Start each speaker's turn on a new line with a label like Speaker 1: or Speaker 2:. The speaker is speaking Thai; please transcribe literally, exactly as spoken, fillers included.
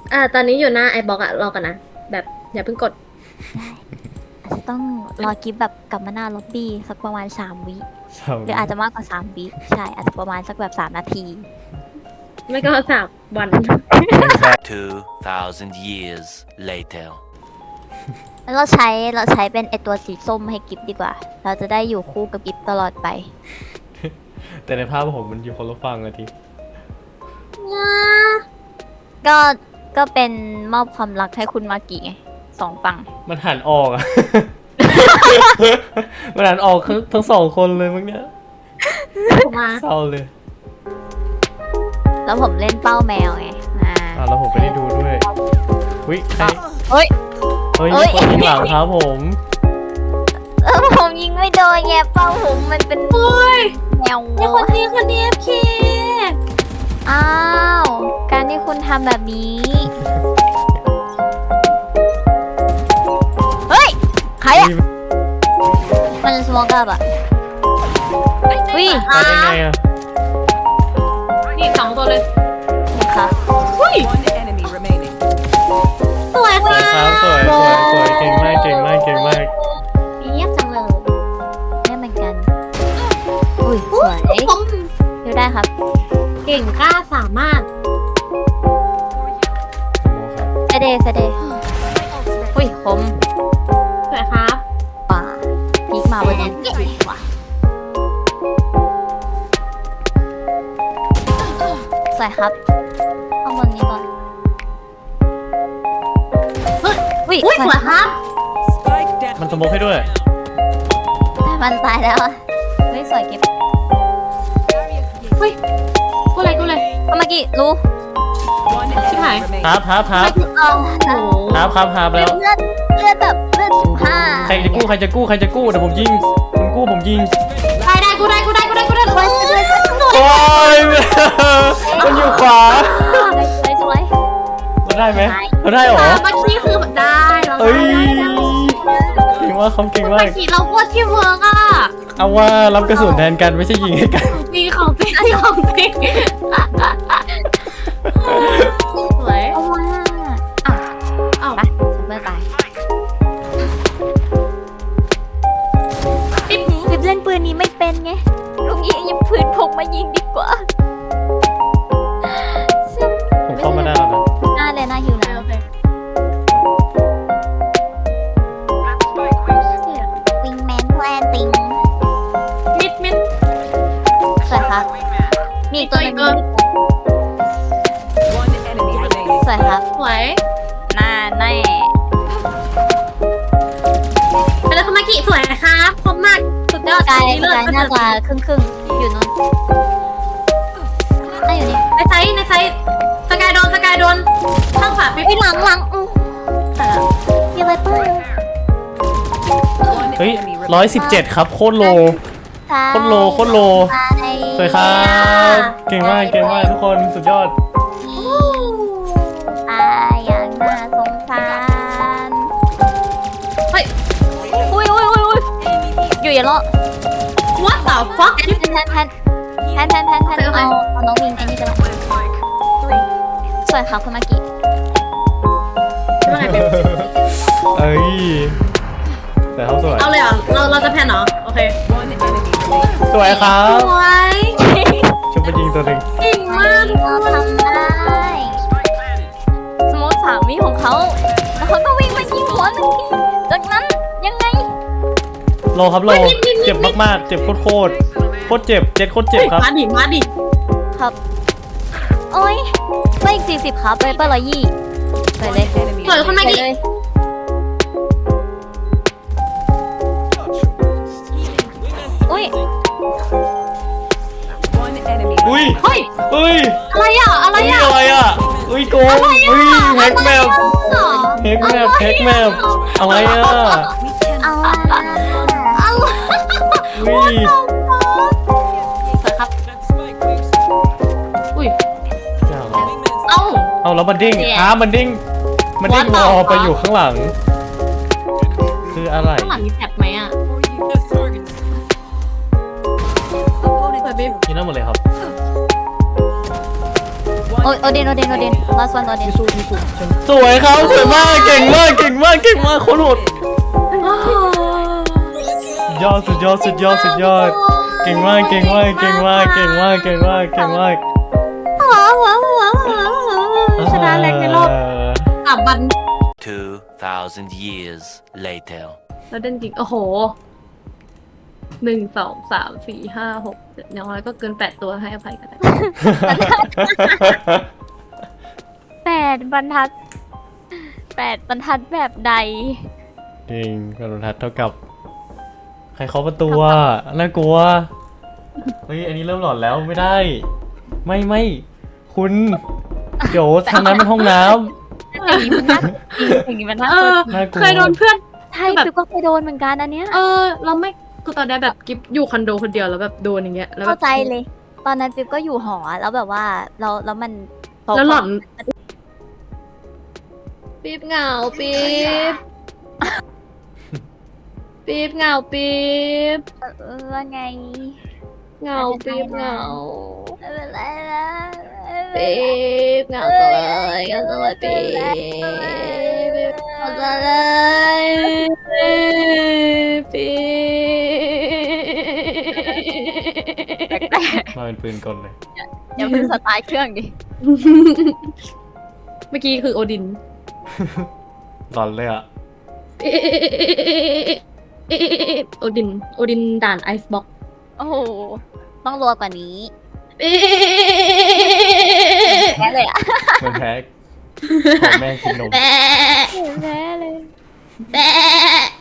Speaker 1: อ่าตอนนี้อยู่หน้าไอบ็อกอะรอกันนะแบบอย่าเพิ่งกด
Speaker 2: อาจจะต้องรอกิฟแบบกลับมาหน้าล็อบบี้สักประมาณสามวิหรืออาจจะมากกว่าสามวิใช่อาจจะประมาณสักแบบสามนาที
Speaker 1: ไม่ก็สามวัน
Speaker 3: two thousand years later
Speaker 2: แล้วเราใช้เราใช้เป็นไอตัวสีส้มให้กิฟดีกว่า เราจะได้อยู่คู่กับกิฟตลอดไป
Speaker 4: แต่ในภาพผมมันอยู่คนละฝั่งอะที
Speaker 2: ก็ก็เป็นมอบความรักให้คุณมากิไงสองฝั่ง
Speaker 4: มันหันออกอะ มันหันออกทั้งทั้งสองคนเลยมั้งเนี้ย
Speaker 1: มา
Speaker 4: เศร้าเลย
Speaker 2: แล้วผมเล่นเป้าแมวไงอ่า
Speaker 4: อ่ะแล้วผมไปได้ดูด้วยวิใคร
Speaker 2: เฮ้ย
Speaker 4: เฮ้ย
Speaker 2: เฮ้ย
Speaker 4: คนยิงหลังครับผม
Speaker 2: เออผมยิงไม่โดนแงเป้าผมมันเป็นแมว
Speaker 1: ไอคนนี้คนนี้เอฟเค
Speaker 2: อ้าว การที่คุณทำแบบนี้ เฮ้ย ใครอะมันสมองกับอะวิ
Speaker 4: มาได้ไงอะ
Speaker 1: นี่สองตัวเลย
Speaker 2: นี่ครับ
Speaker 1: อุ้ย
Speaker 5: One enemy remaining.
Speaker 1: สวย
Speaker 4: สวยครับสวยสวยสวยเก่งมากเก่งมากเก่งมาก
Speaker 1: เยี่ยมจังเลย
Speaker 2: นี่เหมือนกัน อุ้ย สวย
Speaker 1: ผม
Speaker 2: ดูได้ครับ
Speaker 1: เก่งกล้าสามารถ
Speaker 2: เซเดเซเดอุ้ยคม
Speaker 1: สวยครับ
Speaker 2: ป่าพีกมาบนนี้ว่ะสวยครับข้างบนนี้ก่อน
Speaker 1: เฮ้ย
Speaker 2: อุ้ย
Speaker 1: อุ้ยสวยครับ
Speaker 5: Spike down.
Speaker 4: มันสโมกให้ด้วย
Speaker 2: แต่มันตายแล้วอะเฮ้ยสวยเก็บ
Speaker 1: เฮ้ยกูเลยกูเลย
Speaker 2: เมื่อกี้รู้
Speaker 5: One
Speaker 1: Chị Hải.
Speaker 5: enemy remaining.
Speaker 4: ครับครับครับ
Speaker 2: เอา
Speaker 1: โอ้โห
Speaker 4: ครับครับครับแล้ว
Speaker 2: เลือดเลือดแบบเลือดสิบห้า
Speaker 4: ใครจะกู้ใครจะกู้ใครจะกู้เดี๋ยวผมยิงคุณกู้ผมยิง
Speaker 1: ได้ได้กูได้กูได้กูได้กูได้
Speaker 2: สวยสวยสวยสวย
Speaker 4: โอ้ย มันอยู่ขวา
Speaker 2: สวยสวย
Speaker 4: มันได้ไหมมันได้เหรอ
Speaker 1: เมื่อกี้คือได้เรา
Speaker 4: เอ้ย
Speaker 1: ได้ได้
Speaker 4: เก่งมากเขาเก่งมา
Speaker 1: เมื่อก กี้เราโคตรที่เวิร์กอ่ะ
Speaker 4: เอาว่ารับกระสุนแทนกันไม่ใช่ยิงให้กัน
Speaker 1: จริงของจริงของจริงสวย
Speaker 2: เอาว่าอ้าว
Speaker 1: เอ้า
Speaker 2: ไปฉันเมื่อตายปิ๊บปิ๊บเล่นปืนนี้ไม่เป็นไงลุงยิงยิงปืนพกมายิงดีกว่า
Speaker 4: ผมเข้ามาได้แล้วนะ
Speaker 2: หน้าเลยหน้าหิวแล้ว
Speaker 1: โอเค
Speaker 2: วิงแมนแพลนติง
Speaker 1: มิดมิด
Speaker 2: สวยครับ มีอีกตัวหนึง
Speaker 1: อีกตัว
Speaker 5: One enemy remaining.
Speaker 2: สวยครับ
Speaker 1: สวย
Speaker 2: หน้าแน่
Speaker 1: ไปเลยคุณมากิสวยครับคมมากสุดยอด
Speaker 2: กาย
Speaker 1: เลิศ
Speaker 2: กายน่าจะครึ่งครึ่งๆอยู่นู้นน่าอยู่นี่
Speaker 1: ในไซส์ในไซส์สกายโดนสกายโดนข้างขวาปิ๊บ
Speaker 2: ไอ้ยหลังหลังอู้มีอะไรเปล่า
Speaker 5: One
Speaker 4: เฮ้ย
Speaker 5: enemy
Speaker 4: ร้อย
Speaker 5: remaining.
Speaker 4: สิบเจ็ดครับโคตรโล
Speaker 2: ใช่
Speaker 4: โคตรโลโคตรโล
Speaker 2: ใช่
Speaker 4: สวยครับ เก่งมากเก่งมากทุกคนสุดยอด
Speaker 2: ตายอย่างน่าสงสาร
Speaker 1: เฮ้ย
Speaker 2: อุ้ยอุ้ยอุ้ยอุ้ยอยู่อย่าเลาะ
Speaker 1: what the fuck
Speaker 2: แพนแพนแพนแพนแพนแพนแพนเอาเอาน้องวิงไอ้นี่ไปละสวยครับคุณมากิ
Speaker 1: ว่าไงปิ๊บ
Speaker 4: เอ้ยแต่เขาสวย
Speaker 1: เอาเลยเหรอเราเราจะแพนเหรอโอเค
Speaker 5: One enemy remaining.
Speaker 4: สวยครั
Speaker 1: ส
Speaker 4: บ
Speaker 1: วย
Speaker 4: ชุบไปยิงตัวหนึ่ง
Speaker 1: เก่งมากทุก
Speaker 2: เรา
Speaker 1: คน
Speaker 2: ทำได้สมมติสามีของเขาแล้วเขาก็วิ่งมายิงหัวหนึ่งทีจากนั้นยังไง
Speaker 4: โลครับโลเจ็บมากๆเจ็บโคตรโคตรโคตรเจ็บเจ็ดโคตรเจ็บครับ
Speaker 1: มาดิมาดิ
Speaker 2: ครับ โอ้ยไปอีกสี่สิบครับไปเปอร์ร้อยยี่ไปเลย
Speaker 5: Enemy
Speaker 1: สวยคุณมา
Speaker 2: ไป
Speaker 1: กิ
Speaker 2: เลย อุ้ย
Speaker 5: One enemy
Speaker 4: อุ้ย
Speaker 1: เฮ้ย
Speaker 4: อุ้ย
Speaker 1: อะไรอ่ะอะไร
Speaker 4: อุ้ย
Speaker 1: อ่ะ
Speaker 4: อะไรอ่ะอุ้ยโกงอุ้ยแฮกแมปแฮกแมปแฮกแมปอะไรอ่ะ
Speaker 2: เอาละ
Speaker 4: อุ้ย
Speaker 1: สวยครับอุ้ย
Speaker 4: อย่าง
Speaker 1: เอ้า
Speaker 4: เอาแล้วมันดิ้ง
Speaker 1: เนี่ย
Speaker 4: อ้ามันดิ้งมันดิ้ง
Speaker 1: What
Speaker 4: ว
Speaker 1: the
Speaker 4: อไป
Speaker 1: fuck
Speaker 4: อยู่ข้างหลัง คืออะไร
Speaker 1: ข้างหลังมีแท็บไหมอ่ะสวยปิ๊บ
Speaker 4: นี่นั่นหมดเลยครับ
Speaker 5: One
Speaker 2: โอโอเดนโอเดนโอเดน last one โอเดน
Speaker 4: สวยครับสวยมากเก่งมากเก่งมากเก่งมากโคตรโหดยอดสุดยอดสุดยอดสุดยอดเก่งมากเก่งมากเก่งมากเก่งมากเก่งมากเก่งมาก
Speaker 1: ชนะแรงในรอบสามวัน
Speaker 3: Two thousand years later.
Speaker 1: แล้วเด่นจริงโอ้โหหนึ่งสองสามสี่ห้าหกเจ็ดอย่างน้อยก็เกินแปดตัวให้อภัยกันได้
Speaker 2: แปดบรรทัดแปดบรรทัดแบบใด
Speaker 4: จริงกระโดดทัดเท่ากับ ใครเคาะประตูอ่ะน่ากลัวเฮ้ยอันนี้เริ่มหลอนแล้วไม่ได้ ไม่ไม่คุณเดี๋ยวทางนั้นเป็นห้องน้
Speaker 2: อย่างนี้มันน่า
Speaker 1: เอ
Speaker 2: จริงอย่างนี้มันน่ากลัว
Speaker 1: อ
Speaker 4: น่ากลัว
Speaker 1: เคยโดนเพื่อน
Speaker 2: ใช่ปิ๊บก็เคยโดนเหมือนกันอันเนี้ย
Speaker 1: เออ เราไม่คือตอนนี้แบบกิฟอยู่คอนโดคนเดียวแล้วแบบโดนอย่างเงี้ยแล้วแบบ
Speaker 2: เข้าใจเลย ตอนนั้นปิ๊บก็อยู่หอแล้วแบบว่าเราแล้วมัน
Speaker 1: แล้วหล่อนปี๊บเหงาปี๊บปี๊บเหงาปี๊บ
Speaker 2: เออว่าไง
Speaker 1: เหงาปี๊บเหงา
Speaker 2: ไม่เป็นไรนะ
Speaker 1: ปี๊บเหงาจังเลยเหงาจังเลยปี๊บเหงาจังเลยปี๊บ
Speaker 4: มาเป็นปืนกลเลย
Speaker 2: อย่าเพิ่งสตาร์ทเครื่องดิ
Speaker 1: เมื่อกี้คือโอดิน
Speaker 4: หลอนเลยอ่ะ
Speaker 1: โอดิน โอดินด่านไอซ์บ็อก
Speaker 2: โอ้โหต้องรัวกว่านี้แพ้เลยอะ
Speaker 4: เหมือนแพ้ขอแม่กินนม
Speaker 1: แบะ
Speaker 2: แพ้เลย
Speaker 1: แบะ